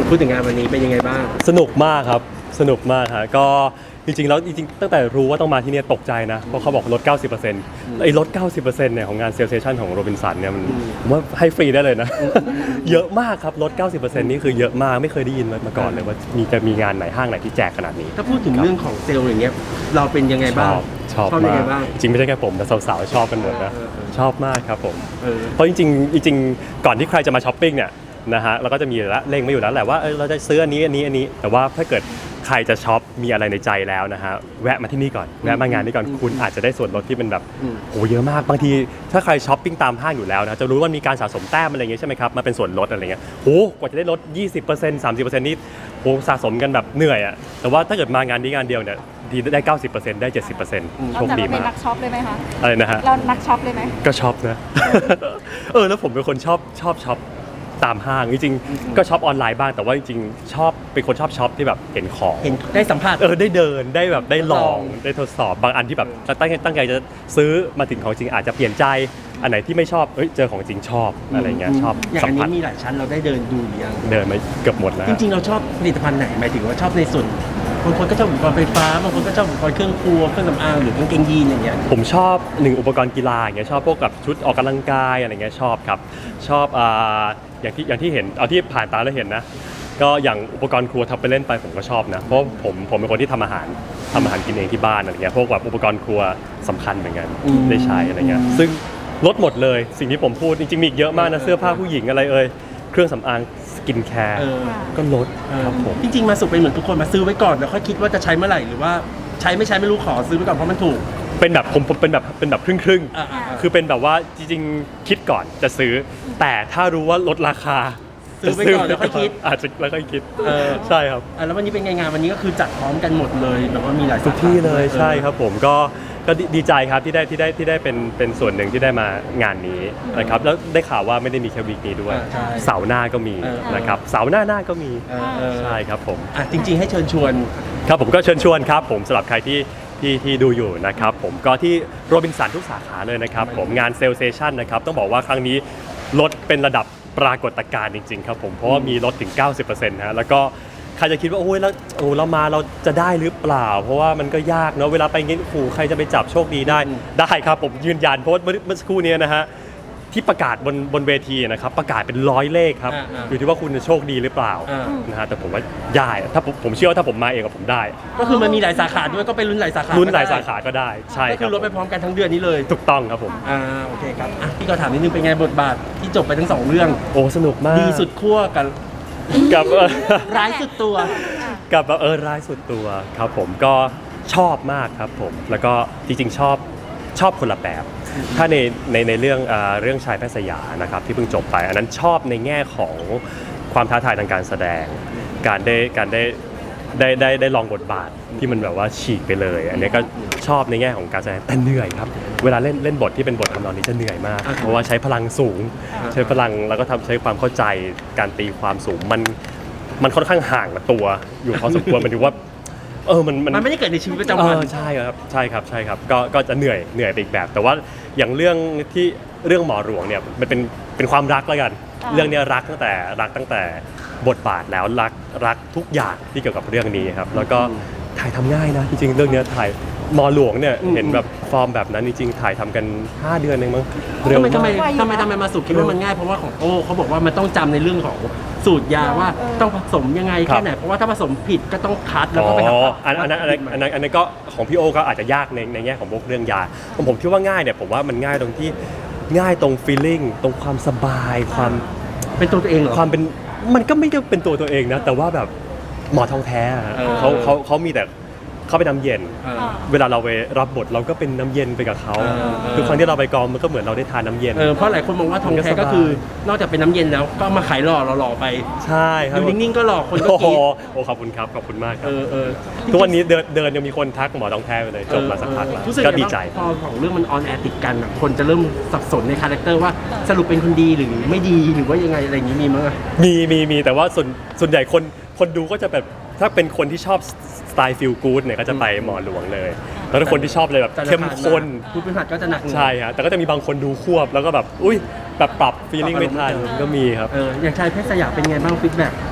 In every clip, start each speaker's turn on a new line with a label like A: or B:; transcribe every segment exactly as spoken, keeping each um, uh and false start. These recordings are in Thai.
A: พูดถึงงานวันนี้เป็นยังไงบ้าง
B: สนุกมากครับสนุกมากฮะก็จริงๆแล้วจริงๆตั้งแต่รู้ว่าต้องมาที่นี่ตกใจนะเพราะเขาบอกลด เก้าสิบเปอร์เซ็นต์ ไอ้ลด เก้าสิบเปอร์เซ็นต์ เนี่ยของงานเซลเซชันของโรบินสันเนี่ยมันผมว่าให้ฟรีได้เลยนะ เยอะมากครับลด เก้าสิบเปอร์เซ็นต์ นี่คือเยอะมากไม่เคยได้ยินมาก่อนเลยว่ามีจะมีงานไหนห้างไหนที่แจกขนาดนี้
A: ถ้าพูดถึงเรื่องของเซลล์อย่างเงี้ยเราเป็นยังไงบ้าง
B: ชอบมากจริงไม่ใช่แค่ผมแต่สาวๆชอบกันหมดนะชอบมากครับผมเพราะจริงๆจริงๆก่อนที่ใครจะมาช้อปปิ้งเนี่ยนะฮะเราก็จะมีแล้วเล็งไม่อยู่แล้วแหละว่าเออเราจะซื้ออันนี้อันนี้อันนี้แต่ว่าถ้าเกิดใครจะช็อปมีอะไรในใจแล้วนะฮะแวะมาที่นี่ก่อนแวะมางานนี้ก่อนคุณอาจจะได้ส่วนลดที่เป็นแบบโอ้เยอะมากบางทีถ้าใครช้อปปิ้งตามห้างอยู่แล้วนะจะรู้ว่ามีการสะสมแต้มอะไรอย่างเงี้ยใช่ไหมครับมาเป็นส่วนลดอะไรเงี้ยโอ้กว่าจะได้ลด ยี่สิบเปอร์เซ็นต์ สามสิบเปอร์เซ็นต์ นี่โอ้สะสมกันแบบเหนื่อยอ่ะแต่ว่าถ้าเกิดมางานนี้งานเดียวเนี่ยดีได้ เก้าสิบเปอร์เซ็นต์ ได้ เจ็ดสิบเปอร์เซ็นต์ โชคดีมาก
C: เราเป็นนักช็อปเลยไหมคะ
B: อะไรนะฮะ
C: เรานักช็อปเลยไหม
B: ก็ช็อปนะเออแล้วผมเป็นคนชอบชอบช็อปตามห้างจริงๆก็ช็อปออนไลน์บ้างแต่ว่าจริงๆชอบเป็นคนชอบช็อปที่แบบเห็นของ
A: เห็นได้สัมผัส
B: เออได้เดินได้แบบได้ลองได้ทดสอบบางอันที่แบบตั้งใจตั้งใจจะซื้อมาถึงของจริงอาจจะเปลี่ยนใจอันไหนที่ไม่ชอบเอ้ยเจอของจริงชอบอะไรเงี้ยชอบ
A: อย่างอันนี้มีหลายชั้นเราได้เดินดูหรือยัง
B: เดินมาเกือบหมดแล้ว
A: จริงๆเราชอบผลิตภัณฑ์ไหนหมายถึงว่าชอบในส่วนบางคนก็ชอบอุปกรณ์ไฟฟ้าบางคนก็ชอบอุปกรณ์เครื่องครัวเครื่องสำอางหรือกางเกงยีนอย่างเงี้ย
B: ผมชอบหนึ่งอุปกรณ์กีฬาอย่างเงี้ยชอบพวกกับชุดออกกำลังกายอะไรเงี้ยชอบครับชอบอ่าอย่างที่อย่างที่เห็นเอาที่ผ่านตาแล้วเห็นนะก็อย่างอุปกรณ์ครัวทำไปเล่นไปผมก็ชอบนะเพราะผมผมเป็นคนที่ทำอาหารทำอาหารกินเองที่บ้านอะไรเงี้ยพวกแบบอุปกรณ์ครัวสำคัญเหมือนกันได้ใช้อะไรเงี้ยซึ่งลดหมดเลยสิ่งที่ผมพูดจริงๆมีอีกเยอะมากนะเสื้อผ้าผู้หญิงอะไรเอ่ยเครื่องสำอางสกินแคร์ก็ลดครับผม
A: จริงๆมาสุกเป็นเหมือนทุกคนมาซื้อไว้ก่อนแล้วค่อยคิดว่าจะใช้เมื่อไหร่หรือว่าใช้ไม่ใช้ไม่รู้ขอซื้อไว้ก่อนเพราะมันถูก
B: เป็นแบบผมผมเป็นแบบเป็นแบบครึ่งครึ่งคือเป็นแบบว่าจริงๆคิดก่อนจะซื้อแต่ถ้ารู้ว่าลดราคา
A: ซื้อไว้ก่อนแล้วค่อยคิด
B: อาจจะแล้วค่อยคิดใช่ครับ
A: แล้ววันนี้เป็นไงงานวันนี้ก็คือจัดพร้อมกันหมดเลยแบบว่ามีหลาย
B: ทุกที่เลยใช่ครับผมก็ก็ดีใจครับที่ได้ที่ได้ที่ได้เป็นเป็นส่วนหนึ่งที่ได้มางานนี้นะครับแล้วได้ข่าวว่าไม่ได้มีแค่วีคนี้ด้วยเสาร์หน้าก็มีนะครับเสาร์หน้าหน้าก็มีใช่ครับผม
A: จริงๆให้เชิญชวน
B: ครับผมก็เชิญชวนครับผมสำหรับใครที่ที่ที่ดูอยู่นะครับผมก็ที่โรบินสันทุกสาขาเลยนะครับผมงานเซลเซชันนะครับต้องบอกว่าครั้งนี้ลดเป็นระดับปรากฏการณ์จริงๆครับผมเพราะว่ามีลดถึง เก้าสิบเปอร์เซ็นต์ นะแล้วก็ใครจะคิดว่าโอ้ยแล้วโอ้เรามาเราจะได้หรือเปล่าเพราะว่ามันก็ยากเนาะเวลาไปงี้ขู่ใครจะไปจับโชคดีได้ได้ครับผมยืนยันเพราะเมื่อสักครู่นี้นะฮะที่ประกาศบนบนเวทีนะครับประกาศเป็นร้อยเลขครับอยู่ที่ว่าคุณจะโชคดีหรือเปล่านะฮะแต่ผมว่าได้ถ้าผมผมเชื่อว่าถ้าผมมาเองกับผมได้
A: ก็คือมันมีหลายสาขาด้วยก็ไปลุ้นหลายสาขา
B: ลุ้นหลายสาขาก็ได้ใช่
A: ก็คือลดไปพร้อมกันทั้งเดือนนี้เลย
B: ถูกต้องครับผม
A: อ่าโอเคครับพี่ก็ถามนิดนึงเป็นไงบทบาทที่จบไปทั้งสองเรื่อง
B: โอ้สนุกมาก
A: ดีสุดขั้วกัน
B: กับ
A: ร้ายสุดตัว
B: กับเออร้ายสุดตัวครับผมก็ชอบมากครับผมแล้วก็จริงๆชอบชอบคนละแบบถ้าในในในเรื่องเรื่องชายแพทย์สยามนะครับที่เพิ่งจบไปอันนั้นชอบในแง่ของความท้าทายทางการแสดงการได้การได้ได้ได้ได้ลองบทบาทที่มันแบบว่าฉีกไปเลยอันนี้ก็ชอบในแง่ของการแสดงแต่เหนื่อยครับเวลาเล่นเล่นบทที่เป็นบททำนองนี้จะเหนื่อยมากเพราะว่าใช้พลังสูงใช้พลังแล้วก็ทำใช้ความเข้าใจการตีความสูงมันมันค่อนข้างห่างกับตัวอยู่พอสมควรมันดูว่าเออมัน
A: มันไม่ได้เกิดในชีวิตประจำวัน
B: ใช่ครับใช่ครับใช่ครับก็ก็จะเหนื่อยเหนื่อยไปอีกแบบแต่ว่าอย่างเรื่องที่เรื่องหมอหลวงเนี่ยมันเป็นเป็นความรักแล้วกันเรื่องนี้รักตั้งแต่รักตั้งแต่บทบาทแล้วรักรักทุกอย่างที่เกี่ยวกับเรื่องนี้ครับแล้วก็ถ่ายทำง่ายนะจริงๆเรื่องนี้ถ่ายหมอหลวงเนี่ยเห็นแบบฟอร์มแบบนั้นจริงๆถ่ายทำกันห้าเดือนเองมั้ง
A: เร็วมากทำไมทำไมทำไมมาสุคิดว่ามันง่ายเพราะว่าของโอ้เขาบอกว่ามันต้องจำในเรื่องของสูตรยาว่าต้องผสมยังไงแค่ไหนเพราะว่าถ้าผสมผิดก็ต้องคัดแล้วก็ไป
B: หาอันนั้นอันนั้นอันนั้นอันนั้นก็ของพี่โอก็อาจจะยากในในแง่ของพวกเรื่องยาผมผมคิดว่าง่ายเนี่ยผมว่ามันง่ายตรงที่ง่ายตรง feeling ตรงความสบายความ
A: เป็นตัวตัวเองเหรอ
B: ความเป็นมันก็ไม่ได้เป็นตัวตัวเองนะแต่ว่าแบบหมอทองแท้เขาเขาเขามีแต่เขาเป็นน้ำเย็นเวลาเราไปรับบทเราก็เป็นน้ำเย็นไปกับเขาทุกครั้งที่เราไปกองมันก็เหมือนเราได้ทานน้ำเย็น
A: เพราะหลายคนมองว่าทองแท้ก็คือนอกจากเป็นน้ำเย็นแล้วก็มาขายหล่อหล่อไป
B: ใช่ครับ
A: อยู่นิ่งๆก็หล่อคนก็คิด
B: โอ้ขอบคุณครับขอบคุณมากครับทุกวันนี้เดินเดินยังมีคนทักหมอทองแท้ไปเลยจบมาสักพักแล้วก็ดีใจ
A: พอของเรื่องมันออนแอร์ติดกันคนจะเริ่มสับสนในคาแรคเตอร์ว่าสรุปเป็นคนดีหรือไม่ดีหรือว่ายังไงอะไรอย่างนี้มีมั้ย
B: มีมีมีแต่ว่าส่วนส่วนใหญ่คนคนดูก็จะแบบถ้าเป็นคนที่ชอบสไตล์ฟีลกู๊ดเนี่ยก็จะไปหมอหลวงเลยแล้วถ้าคนที่ชอบเลยแบบเข้มข้น
A: พูดเป็นผัดก็จะหนัก
B: ใช่ฮะแต่ก็จะมีบางคนดูควบแล้วก็แบบอุ้ยแบบปรับฟีลลิ่งไม่ทันก็มีครับ
A: อย่างชายเพชรสยามเป็นไงบ้างฟีดแบ็ก
B: โ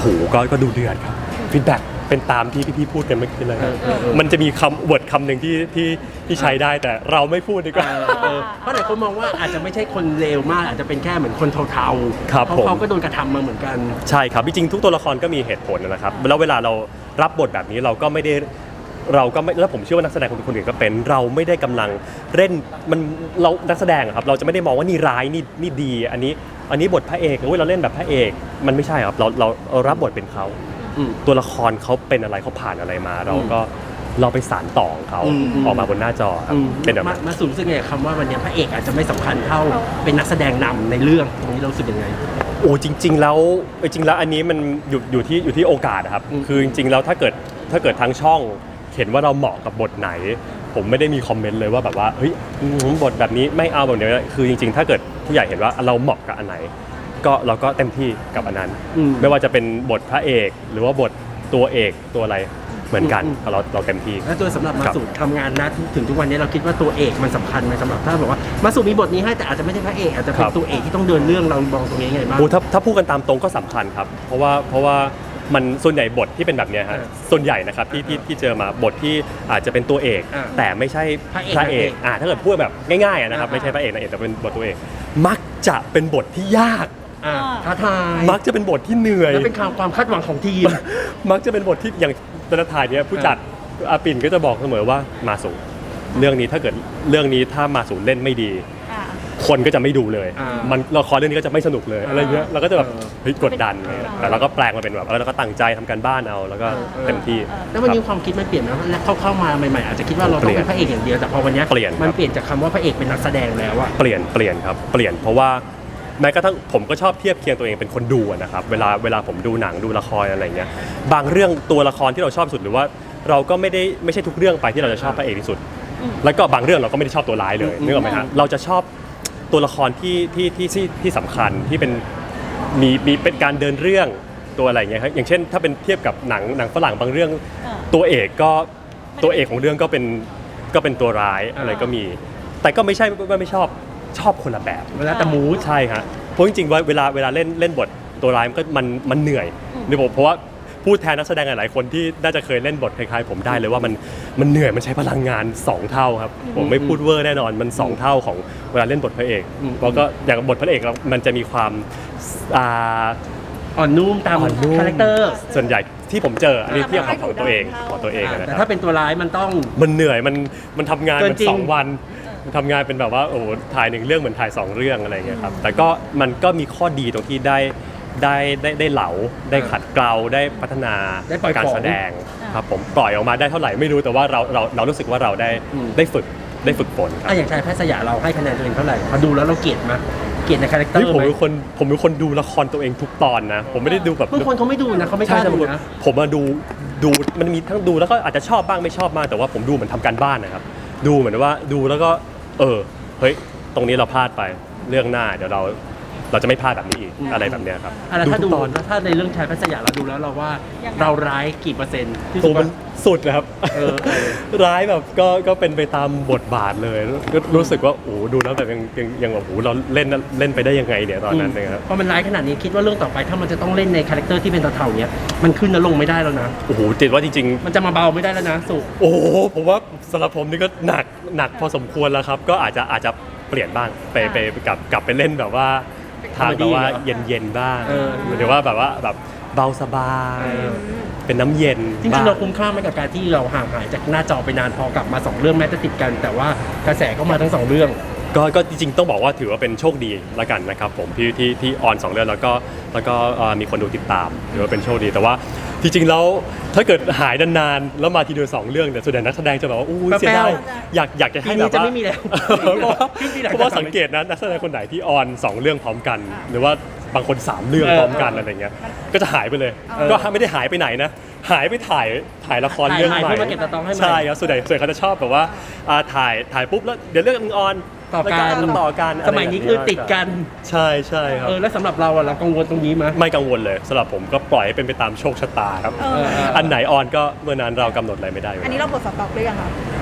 B: โหก็ก็ดูเดือดครับฟีดแบ็กเป็นตามที่พี่ๆพูดกันเมื่อกี้เลยครับ
A: เออเออ
B: มันจะมีคำเวิร์ดคำหนึ่งที่ที่ที่ใช้ได้แต่เราไม่พูดดีกว่า
A: เออเออเพราะหลายคนมองว่าอาจจะไม่ใช่คนเลวมากอาจจะเป็นแค่เหมือนคนเทาๆ
B: ครับ
A: เพราะ
B: ผม
A: เขาก็โดนกระทำมาเหมือนกัน
B: ใช่ครับจริงๆทุกตัวละครก็มีเหตุผลนะครับแล้วเวลาเรารับบทแบบนี้เราก็ไม่ได้เราก็ไม่แล้วผมเชื่อว่านักแสดงคนคนอื่นก็เป็นเราไม่ได้กำลังเล่นมันเรานักแสดงอะครับเราจะไม่ได้มองว่านี่ร้ายนี่นี่ดีอันนี้อันนี้บทพระเอกเว้ยเราเล่นแบบพระเอกมันไม่ใช่ครับเราเราเรารับบทเป็นเขา
A: อืม
B: ตัวละครเขาเป็นอะไรเขาผ่านอะไรมา เราก็เราไปสานต่อของเขา
A: อืมอืม
B: ออกมาบนหน้าจอครับ
A: อืม
B: เป็นแบบ
A: มา
B: นั้น
A: มาสูงรู้สึกไงคำว่าวันนี้พระเอกอาจจะไม่สำคัญเท่าเป็นนักแสดงนำในเรื่องตรงนี้เรารู้สึกยังไง
B: โอ้จริง ๆ แล้วจริงๆแล้วอันนี้มันอยู่อยู่ที่อยู่ที่โอกาสนะครับ
A: อืม
B: คือจริงๆแล้วถ้าเกิดถ้าเกิดทางช่องเห็นว่าเราเหมาะกับบทไหน ผมไม่ได้มีคอมเมนต์เลยว่าแบบว่าเฮ้ยอืมบทแบบนี้ไม่เอาแบบนี้คือจริงๆ ถ้าเกิดผู้ใหญ่เห็นว่าเราเหมาะกับอันไหน ก็เราก็เต็มที่กับอันนั้น
A: อืม
B: ไม่ว่าจะเป็นบทพระเอก หรือว่าบทตัวเอกตัวอะไรเหมือนกัน
A: อืมอืม
B: เราเราเต็มที่
A: แล้วตัวสำหรับมา
B: ครับ
A: สูทำงานนะถึงทุกวันนี้เราคิดว่าตัวเอกมันสำคัญไหมสำหรับถ้าบอกว่ามาสูมีบทนี้ให้แต่อาจจะไม่ใช่พระเอกอาจจะเป็นตัวเอกที่ต้องเดินเรื่องเรามองตรงนี้ยังไงบ้าง
B: โอ้ถ้าถ้าพูดกันตามตรงก็สำคัญครับ เพราะว่าเพราะว่ามันส่วนใหญ่บทที่เป็นแบบเนี้ยฮะ
A: เออ
B: ส่วนใหญ่นะครับที่ที่ที่เจอมาบทที่อาจจะเป็นตัวเอก
A: อ่า
B: แต่ไม่ใช่
A: พระเอก
B: พระเอก
A: พระเอก
B: อ่าถ้าเกิดพูดแบบง่ายๆอะนะครับ
A: อ่า
B: ไม่ใช่พระเอกนะเอกแต่เป็นบทตัวเอกมักจะเป็นบทที่ยาก
A: อ่าท้าทาย
B: มักจะเป็นบทที่เหนื่อย
A: และเป็นความความคาดหวังของทีม
B: มักจะเป็นบทที่อย่างตอนถ่ายเนี้ยผู้จัดอาปิ่นก็จะบอกเสมอว่ามาสูเรื่องนี้ถ้าเกิดเรื่องนี้ถ้ามาสูเล่นไม่ดี
C: อ่า
B: คนก็จะไม่ดูเลย
A: อ่ามั
B: มันละครเรื่องนี้ก็จะไม่สนุกเลย
A: อ่า
B: อะไรเงี้ยเราก็จะแบบ
A: เออ
B: เฮ้ยกดดันไง
C: เออ
B: แต่เราก็แปลงมาเป็นแบบเออเราก็ตั้งใจทำการบ้านเอาแล้วก็เต็มที่
A: แล้ววันนี้
B: ครับ
A: ความคิดมันเปลี่ยนนะแล้วเข้าเข้ามาใหม่ๆอาจจะคิดว่าเราต้องเป็นพระเอกอย่างเดียวแต่พอวันนี้
B: เปลี่ยนครับ
A: มันเปลี่ยนจากคำว่าพระเอกเป็นนักแสดงแล้วอะ
B: เปลี่ยนเปลี่ยนครับเปลี่ยนเพราะว่าแม้กระทั่งผมก็ชอบเทียบเคียงตัวเองเป็นคนดูอะนะครับเวลาเวลาผมดูหนังดูละครอะไรเงี้ยบางเรื่องตัวละครที่เราชอบสุดหรือว่าเราก็ไม่ได้ไม่ใช่ทุกเรื่องไปที่เราจะชอบพระเอกที่สุด แล้วก็บางเรื่องเราก็ไม่ได้ชอบตัวร้ายเลย
A: อืม
B: นึกออกไหมฮะเราจะชอบตัวละครที่ที่ที่ที่ที่สำคัญที่เป็นมีมีเป็นการเดินเรื่องตัวอะไรเงี้ยครับอย่างเช่นถ้าเป็นเทียบกับหนังหนังฝรั่งบางเรื่อง
C: อ่า
B: ตัวเอกก็ตัวเอกของเรื่องก็เป็นก็เป็นตัวร้ายอะไรก็มี แต่ก็ไม่ใช่ว่าไม่ชอบชอบคนละแบบ
A: เวลาแต่มูด
B: ใช่ฮะเพราะจริงๆว่าเวลาเวลาเล่นเล่นบทตัวร้ายมันก็มันมันเหนื่อยในผมเพราะว่าพูดแทนนักแสดงหลายๆคนที่น่าจะเคยเล่นบทคล้ายๆผมได้เลยว่ามันมันเหนื่อยมันใช้พลังงานสองเท่าครับผมไม่พูดเวอร์แน่นอนมันสองเท่าของเวลาเล่นบทพระเอก
A: อืม
B: เพราะก็อย่างบทพระเอกเรามันจะมีความอ่า
A: อ่อนนุ่มตาม
B: อ่อนนุ่ม
A: คาแรคเตอร์
B: ส่วนใหญ่ที่ผมเจออันนี้เทียบกับของตัวเองของตัวเองอะนะ
A: แต่
B: ครั
A: ถ้า
B: บ
A: เป็นตัวร้ายมันต้อง
B: มันเหนื่อยมันมันทำงาน
A: เกิน
B: เป็น
A: จริง
B: สองวันมันทำงานเป็นแบบว่าโอ้โหถ่ายหนึ่งเรื่องเหมือนถ่ายสองเรื่องอะไรอย่างเงี้ยครับแต่ก็มันก็มีข้อดีตรงที่ได้ได้ได้ได้เหลาได้ขัดเกลาได้พัฒนา
A: ได้ปล่อย
B: การ
A: ของ
B: แสดงครับผมปล่อยออกมาได้เท่าไหร่ไม่รู้แต่ว่าเราเราเรารู้สึกว่าเราได้
A: อืม
B: ได้ฝึกได้ฝึกฝนครับ
A: อ่ะอย่างชายแพทย์สยามเราให้คะแนนตัวเองเท่าไหร่พอดูแล้วเราเกลียดไหมเกลียดในคาแรคเตอ
B: เฮ้ย
A: ร์
B: ผม
A: ไหม
B: เป็นคนผมเป็นคนดูละครตัวเองทุกตอนนะ ผมไม่ได้ดูแบบ
A: บางคนเขาไม่ดูนะเขาไม่ก
B: ใช่
A: ล้า
B: ใช่
A: ดู
B: บางคน
A: นะ
B: ผมมาดูดูมันมีทั้งดูแล้วก็อาจจะชอบบ้างไม่ชอบบ้างแต่ว่าผมดูเหมือนทำการบ้านนะครับดูเหมือนว่าดูแล้วก็เออเฮ้ยตรงนี้เราพลาดไปเรื่องหน้าเดี๋ยวเราเราจะไม่พลาดแบบนี้อีก
A: อืม
B: อะไรแบบเนี้ยครับ
A: อ่ะแล้วถ้า
B: ทุ
A: ดู
B: กตอน
A: แล้วถ้าในเรื่องชายแพทย์สยามเราดูแล้วเราว่า
C: ยังไง
A: เราร้ายกี่เปอร์เซ็นต์ที่
B: ตั
A: สุ
B: ว
A: ด
B: มันสุดนะครับ
A: เออเออ
B: ร้ายแบบก็ก็เป็นไปตามบทบาทเลยก็รู้สึกว่าโอ้โหดูแล้วแบบยังยังยังแบบโอ้โหเราเล่นเล่นไปได้ยังไงเนี่ยตอนนั้นนะครับ
A: พอมันร้ายขนาดนี้คิดว่าเรื่องต่อไปถ้ามันจะต้องเล่นในคาแรคเตอร์ที่เป็นเทาๆเนี้ยมันขึ้นแล้วลงไม่ได้แล้วนะ
B: โอ้โหจิตว่าจริง
A: มันจะมาเบาไม่ได้แล้วนะสุ
B: ๆ โอ้โหผมว่าสำหรับผมนี่ก็หนักหนักพอสมควรแล้วครับ ก็อาจจะอาจจะเปลี่ยนบ้างไปไปไปกลับกลับไปเล่นแบบว่าทางแบบว่าเย็นเย็นๆบ้าง
A: เออ
B: หรือว่าแบบว่าแบบเบาสบาย
A: เออ
B: เป็นน้ำเย็น
A: จริง
B: บ้
A: ๆเราคุ้มค่าไหมกับการที่เราห่างหายจากหน้าจอไปนานพอกลับมาสองเรื่องแม้จะติดกัน แต่ว่ากระแสก็มาทั้งสองเรื่อง
B: ก็ก็จริงๆต้องบอกว่าถือว่าเป็นโชคดีละกันนะครับผมที่ที่ที่ออนสองเรื่องแล้วก็แล้วก็เอ่อมีคนดูติดตามถือว่าเป็นโชคดีแต่ว่าจริงๆแล้วถ้าเกิดหายนานๆแล้วมาทีเดียวสองเรื่องเนี่ยส่วนใหญ่นักแสดงจะแบบว่าอู้ย
A: แป๊บๆ
B: เสียดายอยากอยากจะให้
A: ปีนี้
B: แบบว่า
A: จะไม่มีแล้ว
B: เพราะว่า
A: ครึ่งปีหลัง
B: เพราะว่าสังเกตนะนักแสดงคนไหนที่ออนสองเรื่องพร้อมกัน หรือว่าบางคนสามเรื่อง
A: เออ
B: พร้อมกันอะไรเงี้ยก็จะหายไปเลย
A: เออ
B: ก็ไม่ได้หายไปไหนนะหายไปถ่ายถ่ายละครเรื่อง
A: ถ่าย
B: ใหม่
A: เพื่อมาเก็บสต็อกให้ใหม่
B: ใช่ครับส่วนใหญ่ส่วนใหญ่เขาจะชอบแบบว่าอ่าถ่ายถ่ายปุ๊บแล้วเดี๋ยวเรื่องนึงออน
A: ต่อกัน
B: แล้วต่อกัน
A: สมัยนี้คือติดกัน
B: ใช่ใช่ครับ
A: เออแล้วสำหรับเราอะเรากังวลตรงนี้ไหม
B: ไม่กังวลเลยสำหรับผมก็ปล่อยให้เป็นไปตามโชคชะตาครับ
C: เออ
A: เออ
B: อันไหนออนก็เมื่อนั้นเรากำหนดอะไรไม่ได้อยู่
C: อันนี้เราบทสต็อกหรือยังคะ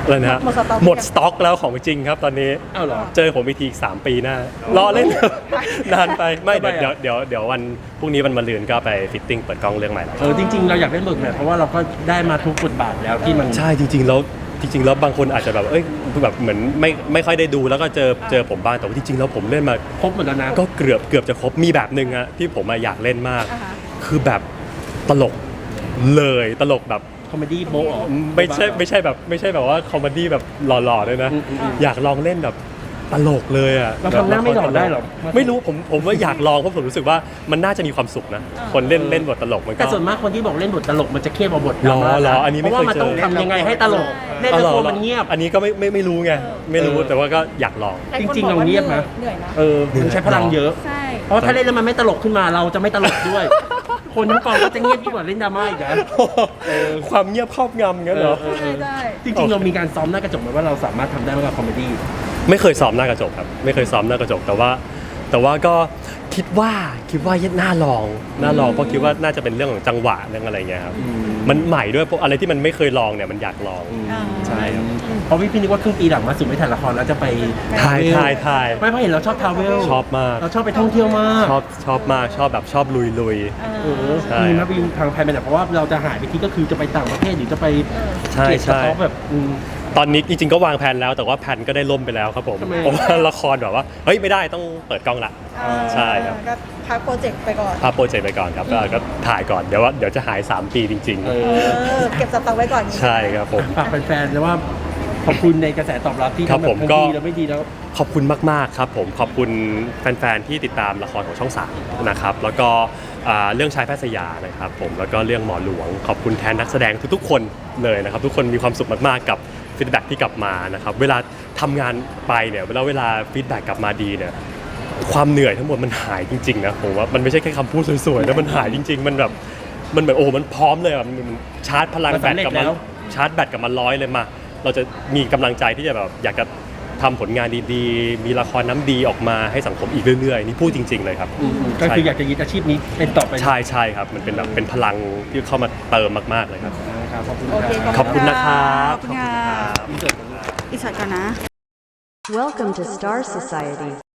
B: อะไรนะฮะ
C: หมดสต็อก
B: หมดสต็อกแล้วของจริงครับตอนนี้
A: อ้าวเหรอ
B: เจอผมอีกทีอีกสามปีหน้ารอเล่น นานไปไม่เดี๋ยวเดี๋ยวเดี๋ยวเดี๋ยววันพรุ่งนี้วันมะรืนก็ไปฟิตติ้งเปิดกล้องเรื่องใหม่แล้ว
A: เออจริงๆเราอยากเล่นบทแบบเพราะว่าเราก็ได้มาทุกบทบาทแล้วที่มัน
B: ใช่จริงๆแล้วจริงๆแล้วบางคนอาจจะแบบเอ้ยแบบเหมือนไม่ไม่ค่อยได้ดูแล้วก็เจอเจอผมบ้างแต่ว่าจริงๆแล้วผมเล่นมา
A: ครบหมดแล้วนะ
B: ก็เกือบเกือบจะครบมีแบบหนึ่งอะที่ผมอะอยากเล่นมาก
C: อ่าฮะ
B: คือแบบตลกเลยตลกแบบ
A: คอมเมดี้โบะอ๋อ
B: ไม่ใช่ไม่ใช่แบบไม่ใช่แบบว่าคอมเมดี้แบบหล่อๆด้วยนะ
A: อืมอืมอืม
B: อยากลองเล่นแบบตลกเลยอะ
A: เราทำหน้าไม่หล่อได้หรอ
B: ไม่รู้ผมผมว่าอยากลองเพราะผมรู้สึกว่ามันน่าจะมีความสุขนะ คนเล่นเล่นบทตลกมันก็
A: แต่ส่วนมากคนที่บอกเล่นบทตลกมันจะเครียดกว่าบทด
B: หรอ
A: ราม่า
B: หรออันนี้
A: เพ
B: ไม่
A: ราะ
B: เค
A: ว่าย มันต้อง
B: เจอ
A: ทำยังไงให้ตลกเล่น
B: อ๋อ
A: แล้ว
B: หรอ
A: ตัวมันเงียบ
B: อันนี้ก็ไม่ไม่ไม่รู้ไงไม่รู้
A: เออ
B: แต่ว่าก็อยากลอง
C: หลายคน
A: จริงๆ
C: บอกว่า
A: เราเงียบนะ
C: เหนื่อยนะ
A: เออมันใช้พลังเยอะ
C: ใช่
A: เพราะถ้าเล่นแล้วมันไม่ตลกขึ้นมาเราจะไม่ตลกด้วย คนทั้งกองก็จะเงียบยิ่งกว่าเล่นดราม่าอีกนะ
B: ความเงียบครอบงำงั้นเหรอ
A: เออ
C: ใช่ใช่
A: จริงๆเรามีการซ้อมหน้ากระจกไหมว่าเราสามารถทำได้ไหมกับคอมเมดี้
B: ไม่เคยซ้อมหน้ากระจกครับไม่เคยซ้อมหน้ากระจกแต่ว่า แต่ว่าก็คิดว่าคิดว่าน่าลองน่าลองเพราะคิดว่าน่าจะเป็นเรื่องของจังหวะเรื่องอะไรเงี้ยครับมันใหม่ด้วยเพราะอะไรที่มันไม่เคยลองเนี่ยมันอยากลอง
C: อ่า
B: ใช่ครับ
A: เพราะพี่พี่นึกว่าครึ่งปีหลังมาสุดไม่ถ่ายละครแล้วจะไป
B: ถ่ายถ่ายถ่าย
A: ไม่เพราะเห็นเราชอบทราเวล
B: ชอบมาก
A: เราชอบไปท่องเที่ยวมาก
B: ชอบชอบมากชอบแบบชอบลุยลุย
A: เออ
B: ใช่
A: มีมาบินทางแพลนไปไหนเพราะว่าเราจะหายไปที่ก็คือจะไปต่างประเทศหรือจะไป
B: ใช่
A: เกตส
B: ใช่
A: ต็อกแบบอืม
B: ตอนนี้จริงๆก็วางแผนแล้วแต่ว่าแผนก็ได้ล่มไปแล้วครับผม
A: ทำไม
B: เพราะว่าละครแบบว่าเฮ้ยไม่ได้ต้องเปิดกล้องละ
C: อ่า
B: ใช่ครับ
C: ก็พักโปรเจกต์ไปก่อน
B: พาโปรเจกต์ไปก่อนครับก็ก็ถ่ายก่อนเดี๋ยวว่าเดี๋ยวจะหายสามปีจริง
A: เอ
C: เอ
A: อ
C: อเก็บสต็อกไว้ก่อน
B: ๆ ใช่ครับผม
A: ฝากแฟนๆนะว่าขอบคุณในกระแสตอบรับที่
B: ครับ
A: ทั้งแบ
B: ผ
A: บ
B: ม
A: ทั้ง
B: ก็
A: ดีแล้วไม่ดีแล้ว
B: ขอบคุณมากๆครับผมขอบคุณแฟนๆที่ติดตามละครของช่องสามนะครับแล้วก็อ่าเรื่องชายแพทย์สยามนะครับผมแล้วก็เรื่องหมอหลวง ขอบคุณแทนนักแสดงทุกๆคนเลยนะครับทุกคนมีความสุขมากๆกับฟีดแบ็กที่กลับมานะครับเวลาทำงานไปเนี่ยเวลาเวลาฟีดแบ็กกลับมาดีเนี่ยความเหนื่อยทั้งหมดมันหายจริงๆนะผมว่ามันไม่ใช่แค่คำพูดสวยๆแล้วมันหายจริง ๆ มันแบบมันแบบโอ้มันพร้อมเลยอะมันมันชาร์จพลัง
A: มัน
B: แบต
A: สำเร็จ
B: กลับมา
A: แล้ว
B: ชาร์จแบตกลับมาร้อยเลยมาเราจะมีกำลังใจที่จะแบบอยากจะทำผลงานดีๆ มีละครน้ำดีออกมาให้สังคมอีกเรื่อยๆ นี่พูดจริง ๆ เลยครับ
A: อืมก็คืออยากจะยึดอาชีพนี้เป็นต่อไป
B: ใช่ใช่ครับ มันเป็นแบบเป็นพลังที่เข้ามาเติมมากๆเลยครับ
A: ครับขอบคุณ
C: โอเค
A: ครับ
B: ขอบคุณนะครับ
C: ขอบคุณค่ะ
A: อินเสิร์ต
C: อีกสักก่อนนะ
D: Welcome to Star Society.